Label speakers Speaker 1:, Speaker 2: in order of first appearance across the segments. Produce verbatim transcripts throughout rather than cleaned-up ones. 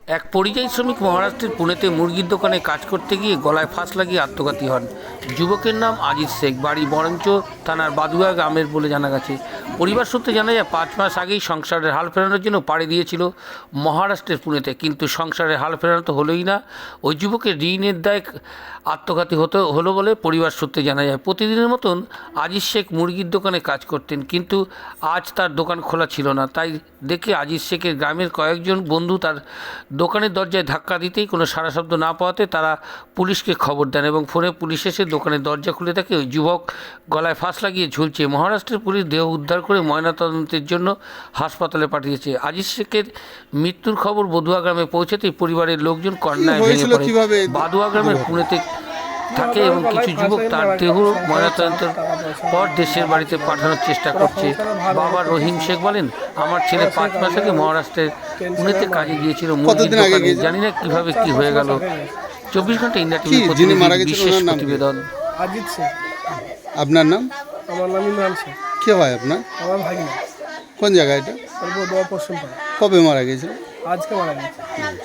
Speaker 1: এক পরিযায়ী শ্রমিক মহারাষ্ট্রের পুনেতে মুরগির দোকানে কাজ করতে গিয়ে গলায় ফাঁস লাগিয়ে আত্মঘাতী হন। যুবকের নাম আজিজ শেখ, বাড়ি বরঞ্চ থানার বাদুয়া গ্রামের বলে জানা গেছে। পরিবার সূত্রে জানা যায়, পাঁচ মাস আগেই সংসারের হাল ফেরানোর জন্য পাড়ি দিয়েছিল মহারাষ্ট্রের পুনেতে, কিন্তু সংসারের হাল ফেরানো তো হলোই না, ওই যুবকের ঋণের দায় আত্মঘাতী হতে হলো বলে পরিবার সূত্রে জানা যায়। প্রতিদিনের মতন আজিজ শেখ মুরগির দোকানে কাজ করতেন, কিন্তু আজ তার দোকান খোলা ছিল না। তাই দেখে আজিজ শেখের গ্রামের কয়েকজন বন্ধু তার দোকানের দরজায় ধাক্কা দিতেই কোনো সাড়া শব্দ না পাওয়াতে তারা পুলিশকে খবর দেন এবং ফোনে পুলিশ এসে দোকানের দরজা খুলে দেখে ওই যুবক গলায় ফাঁস লাগিয়ে ঝুলছে। মহারাষ্ট্রের পুলিশ দেহ উদ্ধার করে ময়নাতদন্তের জন্য হাসপাতালে পাঠিয়েছে। আজিজ শেখের মৃত্যুর খবর বদুয়া গ্রামে পৌঁছাতেই পরিবারের লোকজন কান্নায় ভেঙে পড়ে। বাদুয়া গ্রামের পুনেতে থাকে এবং কিছু যুবক তার দেহ ময়নাতদন্তের পর দেশের বাড়িতে পাঠানোর চেষ্টা করছে। বাবা রহিম শেখ বলেন, আমার ছেলে পাঁচ মাস আগে মহারাষ্ট্রের পুনেতে কাজে গিয়েছিল মুরগির দোকানে, জানি না কিভাবে কি হয়ে গেল। চব্বিশ ঘন্টা ইন্ডিয়া টিভি প্রতিনিধি বিশেষ প্রতিবেদন।
Speaker 2: আজিজ শেখ।
Speaker 3: আপনার নাম?
Speaker 2: আমার নাম ইমরান শেখ।
Speaker 3: কে হয় আপনার?
Speaker 2: আমার ভাগিনা।
Speaker 3: কোন জায়গা এটা?
Speaker 2: বদুয়া পশ্চিম পাড়া।
Speaker 3: কবে মারা গেছিল?
Speaker 2: আজকে মারা গেছে।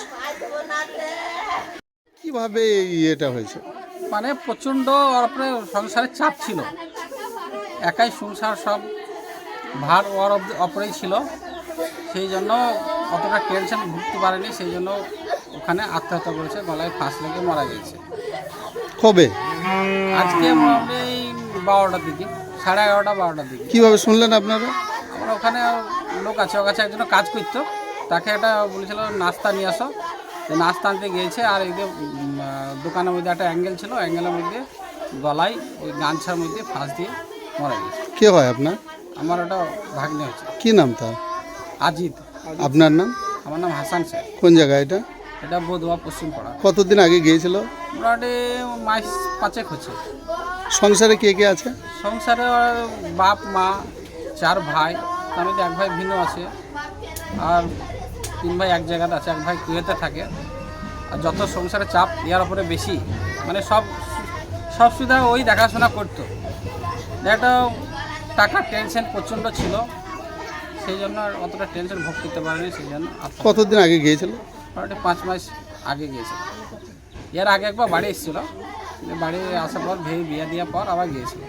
Speaker 3: কিভাবে এটা হয়েছে?
Speaker 4: মানে প্রচণ্ড ওর উপরে সংসারের চাপ ছিল, একাই সংসার সব ভার ওর ওপরেই ছিল, সেই জন্য অতটা টেনশন ভুগতে পারেনি, সেই জন্য ওখানে আত্মহত্যা করেছে, গলায় ফাঁস লেগে মারা গেছে।
Speaker 3: কবে?
Speaker 4: আজকে মোটামুটি বারোটার দিকে, সাড়ে এগারোটা বারোটার দিকে।
Speaker 3: কিভাবে শুনলেন আপনারা?
Speaker 4: আমরা ওখানে লোক আছে, ওর কাছে একজন কাজ করতো, তাকে একটা বলেছিল নাস্তা নিয়ে আসো, নাস্তা আনতে গিয়েছে, আর এই যে দোকানের মধ্যে একটা অ্যাঙ্গেল ছিল, অ্যাঙ্গেলের মধ্যে গলায় ওই গামছার মধ্যে ফাঁস দিয়ে মারা গেছে।
Speaker 3: কে হয় আপনার?
Speaker 4: আমার ওটা ভাগ্নে হচ্ছে।
Speaker 3: কি নাম তার?
Speaker 4: আজিদ।
Speaker 3: আপনার নাম?
Speaker 4: আমার নাম হাসান শেখ।
Speaker 3: কোন জায়গা এটা?
Speaker 4: এটা বদুয়া পশ্চিম পাড়া।
Speaker 3: কতদিন আগে গিয়েছিল?
Speaker 4: মোটামুটি মাস পাঁচেক হচ্ছে।
Speaker 3: সংসারে কে কে আছে?
Speaker 4: সংসারে ওর বাপ মা, চার ভাই, তার মধ্যে এক ভাই ভিন্ন আছে, আর তিন ভাই এক জায়গাতে আছে, এক ভাই কুয়েতে থাকে। আর যত সংসারের চাপ ইয়ার উপরে বেশি, মানে সব সব সুবিধা ওই দেখাশোনা করতো, একটা টাকার টেনশন প্রচণ্ড ছিল, সেই জন্য আর অতটা টেনশন ভোগ করতে পারেনি, সেই জন্য।
Speaker 3: কতদিন আগে গিয়েছিল?
Speaker 4: মোটামুটি পাঁচ মাস আগে গিয়েছিল। এর আগে একবার বাড়ি এসেছিল, বাড়ি আসার পর ভেবে বিয়ে দেওয়ার পর আবার গিয়েছিল।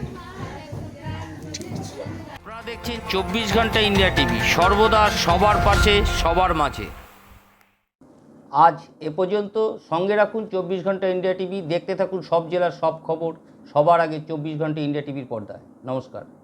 Speaker 1: আপনারা দেখছেন চব্বিশ ঘন্টা ইন্ডিয়া টিভি, সর্বদা সবার পাশে সবার মাঝে। আজ এ পর্যন্ত। সঙ্গে রাখুন চব্বিশ ঘন্টা ইন্ডিয়া টিভি, দেখতে থাকুন সব জেলার সব খবর সবার আগে চব্বিশ ঘন্টা ইন্ডিয়া টিভির পর্দায়। নমস্কার।